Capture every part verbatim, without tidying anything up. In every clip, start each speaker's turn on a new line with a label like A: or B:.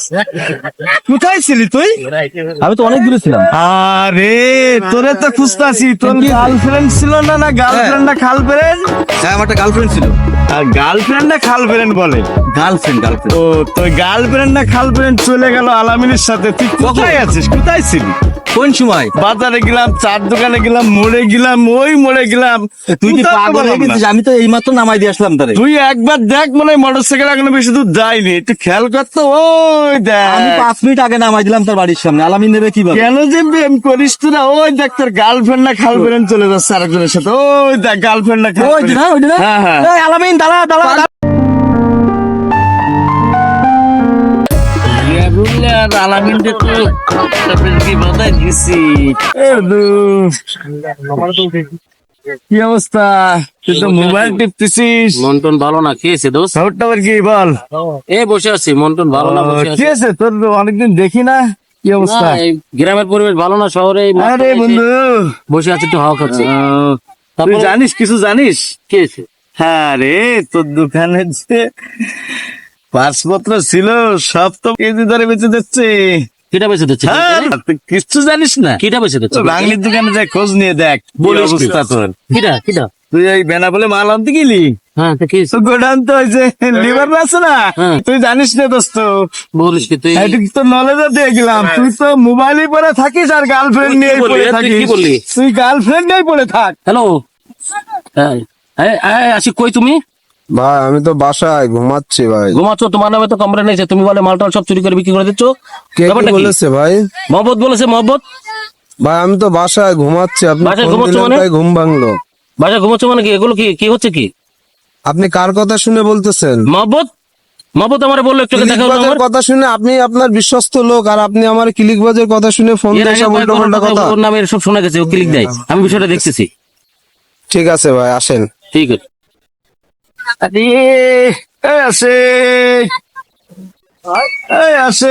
A: কোথায় ছিলি তুই?
B: আমি তো অনেক দূরে ছিলাম।
A: আরে তোরে তো খুঁজতাছি, তোর গার্লফ্রেন্ড ছিল না? না গার্লফ্রেন্ড না খাল ফ্রেন্ড?
B: হ্যাঁ, আমার একটা গার্লফ্রেন্ড ছিল।
A: আর গার্লফ্রেন্ড না খাল ফ্রেন্ড বলে?
B: গার্লফ্রেন্ড গার্লফ্রেন্ড
A: ও তোর গার্লফ্রেন্ড না খাল ফ্রেন্ড চলে গেল আলামিনের সাথে, তুই কোথায় আছিস? কোথায় ছিলি?
B: কোন সময়?
A: বাজারে গেলাম, চার দোকানে গেলাম, মোড়ে গেলাম, ওই মোড়ে গেলাম।
B: তুই কি
A: কোথাও তো
B: পাগল হয়ে
A: পেলাম না।
B: গেছিস? আমি তো এই মাত্র নামাই দিয়ে আসলাম তারে।
A: তুই একবার দেখ, মনে হয় মোটর সাইকেল এখনো বেশি দূর যায়নি, একটু খেয়াল করতো। ওই
B: আমি
A: দেখ
B: পাঁচ মিনিট আগে নামাই দিলাম তার বাড়ির সামনে। আলামিন নেবে কিভাবে?
A: কেন যে প্রেম করিস তোরা? ওই দেখ তোর গার্লফ্রেন্ড না খাল ফ্রেন্ড চলে যাচ্ছে আরেকজনের সাথে। ওই দেখ গার্লফ্রেন্ড না খাল
B: ওই যে না, ওই যে না?
A: হ্যাঁ হ্যাঁ
B: এই আলামিন দাঁড়া দাঁড়া দাঁড়া।
C: আলামিনটা তো কি বাধা গেছি।
A: এ দু, কি অবস্থা? তুই তো মোবাইল টিপতেছিস।
C: মন্টন ভালো না, খেয়েছে দোষ?
A: খবরটা আবার কি বল?
C: এ বসে আছি, মন্টন ভালো না, বসে আছি।
A: কি আছে তোর? অনেকদিন দেখি না, কি অবস্থা?
C: না, এই গ্রামের পরিবেশ ভালো না, শহরে এই মাত্র
A: আরে
C: এসে
A: বন্ধু,
C: বসে আছি, একটু হাওয়া খাচ্ছি।
A: তুই
C: তারপরে
A: জানিস, কিছু জানিস?
C: খেয়েছে।
A: হ্যাঁ রে, তোর দোকানে যে পাসপত্র ছিল সব তো কেজি ধরে বেঁচে দিচ্ছে।
C: কিটা বেঁচে দিচ্ছে?
A: হ্যাঁ, তুই কিচ্ছু জানিস না?
C: কিটা বেঁচে দিচ্ছে?
A: বাঙালির দোকানে যে খোঁজ নিয়ে দেখ কি
C: বলিস কি?
A: অবস্থা তোর।
C: কিটা কিটা?
A: তুই এই বেনা বলে মাল আনতে গেলি,
C: হ্যাঁ, তো খেয়েছে।
A: তো গোডাউন তো হয়েছে লিভার আছে না?
C: হ্যাঁ।
A: তুই জানিস না দোস্ত,
C: বলিস কি তুই?
A: এইটুকু তো নলেজ দিয়ে গেলাম। তুই তো মোবাইলে পড়ে থাকিস আর গার্লফ্রেন্ড
C: তুই কি
A: নিয়ে
C: বললি?
A: পড়ে
C: তুই
A: থাকিস।
C: কি বললি?
A: তুই গার্লফ্রেন্ড নিয়ে পড়ে থাক।
C: হ্যালো, আসি কই তুমি?
D: ভাই আমি তো বাসায় ঘুমাচ্ছি ভাই।
C: ঘুমাচ্ছ? তোমার নামে তো কমপ্লেন হয়েছে, তুমি বলে মালটাল সব চুরি করে বিক্রি করে দিচ্ছ।
D: কে কি
C: ব্যাপারটা কি?
D: বলেছে ভাই?
C: মহব্বত বলেছে, মহব্বত।
D: ভাই আমি তো বাসায় ঘুমাচ্ছি, আপনি
C: বাসায়
D: ফোন
C: ঘুমাচ্ছ
D: দিলেন
C: মানে?
D: তাই ঘুম ভাঙলো।
C: বাসায় ঘুমাচ্ছ মানে কি? এগুলো কি কি হচ্ছে কি?
D: আপনি কার কথা শুনে বলতেছেন?
C: মহব্বত, মহব্বত আমার বললো একটু দেখা হলো
D: ক্লিকবাজের
C: আমার।
D: কথা শুনে? আপনি আপনার বিশ্বস্ত লোক আর আপনি আমার ক্লিকবাজের কথা শুনে ফোন
C: এর
D: দিয়ে
C: আগে
D: সব
C: কয়েকবার
D: উল্টো পাল্টা কথা।
C: ওর নামে সব শোনা গেছে, ও ক্লিক দেয়। আমি বিষয়টা দেখতেছি।
D: ঠিক আছে ভাই, আসেন।
C: ঠিক আছে।
A: আরে এই আসে, এই আসে,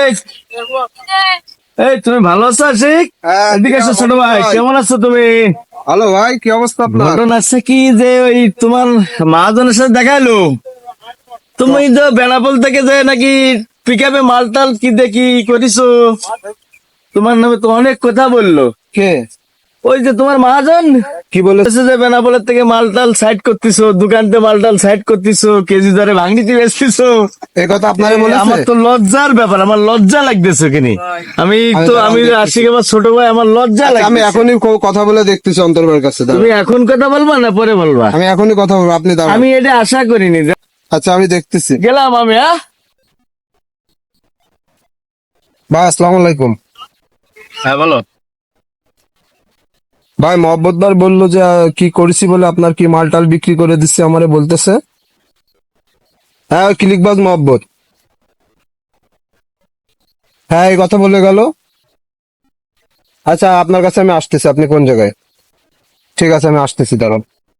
A: এই তুমি ভালো আছো আশিক?
D: হ্যাঁ,
A: এদিকে এসো ছোট ভাই, কেমন আছো তুমি?
D: হ্যালো ভাই, কি অবস্থা আপনার?
A: ঘটনা আছে কি যে ওই তোমার মহাজনের সাথে দেখাইলো, তুমি তো বেনাপোল থেকে যে নাকি পিক আপে মালটাল কি দেখি করিছো, তোমার নামে তো অনেক কথা বললো।
D: কে?
A: ওই যে তোমার মহাজন
D: কি বলেছে?
A: বলেছে যে বেনাপোলের থেকে মালটাল সাইড করতেছো, দোকানতে মালটাল সাইড করতেছো, কেজি ধরে ভাঙনিতে বেচতেছো।
D: এই কথা আপনারে বলেছে?
A: আমার তো লজ্জার ব্যাপার, আমার লজ্জা লাগতেছে কিনি। আমি তো আমি আশিক আমার ছোট ভাই, আমার লজ্জা
D: আচ্ছা, আমি
A: লাগে।
D: এখনই ক- কথা বলে দেখতেছি অন্তর ভাইয়ের কাছে, দাঁড়ান।
A: তুমি এখন কথা বলবা না পরে বলবা?
D: আমি এখনই কথা বলবো, আপনি দাঁড়ান।
A: আমি এটা আশা করিনি।
D: আচ্ছা আমি দেখতেছি।
A: গেলাম আমি। হ্যাঁ
D: ভাই আসসালামু আলাইকুম।
A: হ্যাঁ বলো।
D: ভাই মহব্বত ভাই বললো যে আহ, কি করেছি বলে আপনার কি মালটাল বিক্রি করে দিচ্ছে আমারে বলতেছে। হ্যাঁ ওই ক্লিকবাজ মহব্বত, হ্যাঁ এই কথা বলে গেল। আচ্ছা আপনার কাছে আমি আসতেছি, আপনি কোন জায়গায়? ঠিক আছে আমি আসতেছি, দাঁড়ান।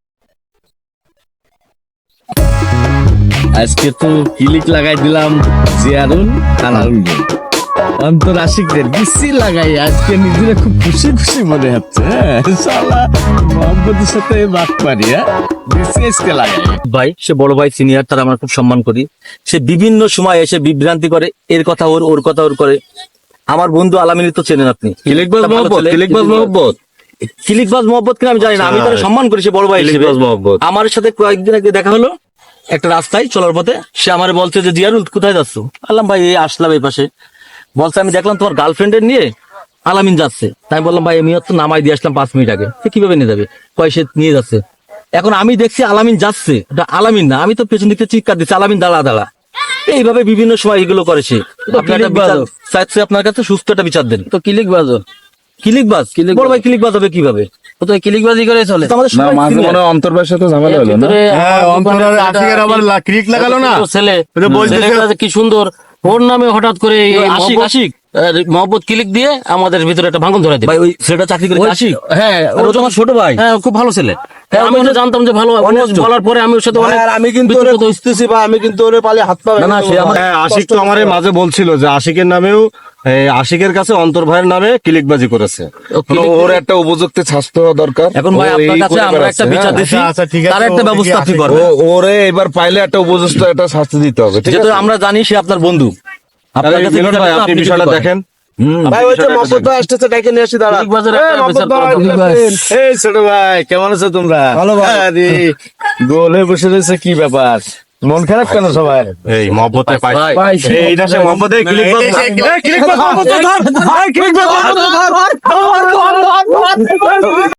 A: আজকে তো ক্লিক লাগাই দিলাম জিয়ারুল আলাউল অন্তর আশিকদের বিসি লাগাই, আজকে নিজেরা খুব খুশি খুশি মনে হচ্ছে। হ্যাঁ শালা মোহাম্মদের সাথে বাদ পারি। হ্যাঁ বিসি আজকে লাগাই।
B: ভাই, সে বড় ভাই, সিনিয়র, তার আমরা খুব সম্মান করি। সে বিভিন্ন সময় এসে বিভ্রান্তি করে, এর কথা ওর, ওর কথা ওর করে। আমার বন্ধু আলামিন তো চেনেন আপনি,
A: ক্লিকবাজ
B: একটা ভালো
A: মোহাম্মদ,
B: ছেলে।
A: ক্লিকবাজ মোহাম্মদ,
B: ক্লিকবাজ মহব্বত কিনা আমি জানি না, আমি তাকে সম্মান করি, সে বড় ভাই হিসেবে।
A: ক্লিকবাজ মহব্বত।
B: আমার সাথে কয়েকদিন আগে দেখা হলো একটা রাস্তায় চলার পথে। সে আমার বলছে যে জিয়ারুল কোথায় যাচ্ছ? বললাম ভাই এই আসলাম এই পাশে। বলছে আমি দেখলাম তোমার গার্লফ্রেন্ডের নিয়ে আলামিন যাচ্ছে। তাই বললাম ভাই আমি তো নামাই দিয়ে আসলাম পাঁচ মিনিট আগে, সে কিভাবে নিয়ে যাবে? কয় সে নিয়ে যাচ্ছে। এখন আমি দেখছি আলামিন যাচ্ছে, ওটা আলামিন না। আমি তো পেছন দিকে চিৎকার দিচ্ছি আলামিন দাঁড়া দাঁড়া। এইভাবে বিভিন্ন সময় এগুলো করে সে। আপনার একটা বিচার চাইছে, আপনার কাছে সুস্থ একটা বিচার দেন।
C: তো ক্লিক বাজো,
B: ক্লিকবাজ বড় ভাই, ক্লিকবাজ হবে কিভাবে?
C: ও তো ক্লিকবাজি করে চলে।
B: তো আমাদের সবাই senior।
D: অন্তর্বের সাথে ঝামেলা হলো না?
A: হ্যাঁ অন্তর আর আশিকের আবার লা- ক্লিক লাগালো না।
C: ও ছেলে,
A: এটা বলতেছে-
C: ছেলেটা যে কি সুন্দর, ওর নামে হঠাৎ করে এই
B: ওই আশিক,
C: মহব্বত-
B: আশিক।
C: আহ, মহব্বত ক্লিক দিয়ে আমাদের ভিতরে একটা ভাঙন ধরে দেবে।
B: ভাই ওই ছেলেটা চাকরি করে আসি।
C: হ্যাঁ,
B: আর ও তো আমার ছোট ভাই।
C: হ্যাঁ, খুব ভালো ছেলে। হ্যাঁ, আমি তো জানতাম যে ভালো,
B: honest।
C: বলার পরে আমি ওর সাথে অনেক
D: আর আমি কিন্তু ওরে খুঁজতেছি বা আমি কিন্তু ওরে পালে হাত পা
B: না, না, সে আমার-
A: হ্যাঁ আশিক তো আমার মাঝে বলছিল যে আশিকের নামেও এই আশিকের কাছে অন্তর ভাইয়ের নামে ক্লিকবাজি করেছে।
C: ও click
D: ওর একটা উপযুক্ত শাস্তি হওয়া দরকার।
B: এখন ভাই
D: ও
B: আপনার
D: এই
B: কাছে
D: করে
B: আমরা
D: বেড়াচ্ছে,
B: একটা বিচার
D: হ্যাঁ।
B: দিচ্ছি,
A: আচ্ছা, আচ্ছা, ঠিক আছে,
B: তার একটা
A: ও
B: ব্যবস্থা
A: দেখি
B: আপনি
A: আসিক।
B: করবেন।
D: ও- ওরে এবার পাইলে একটা উপযুক্ত একটা শাস্তি দিতে হবে, ঠিক
B: যেহেতু
D: আছে?
B: আমরা জানি সে আপনার বন্ধু, আপনার কাছে
E: মিলন ভাই, আপনি
B: যদি
E: বিষয়টা
B: করেন।
E: দেখেন।
B: হুম,
D: ভাই ওই যে মহব্বত ভাই আসতেছে, ডাইকে নিয়ে আসি দাঁড়া।
C: ঠিক বাজারে
D: এই,
C: একটা
D: মহব্বত
C: বিচার করা
D: ভাই,
C: দরকার।
A: এই ছোট ভাই কেমন আছো তোমরা?
D: ভালো ভাই।
A: আরে গোলে বসে রয়েছে কি ব্যাপার? মন খারাপ কেন সবাই?
E: এই মহব্বতে পাই
C: ভাই,
E: এই এটা সে মহব্বতে ক্লিক
A: এই, এই, এই,
E: ক্লিক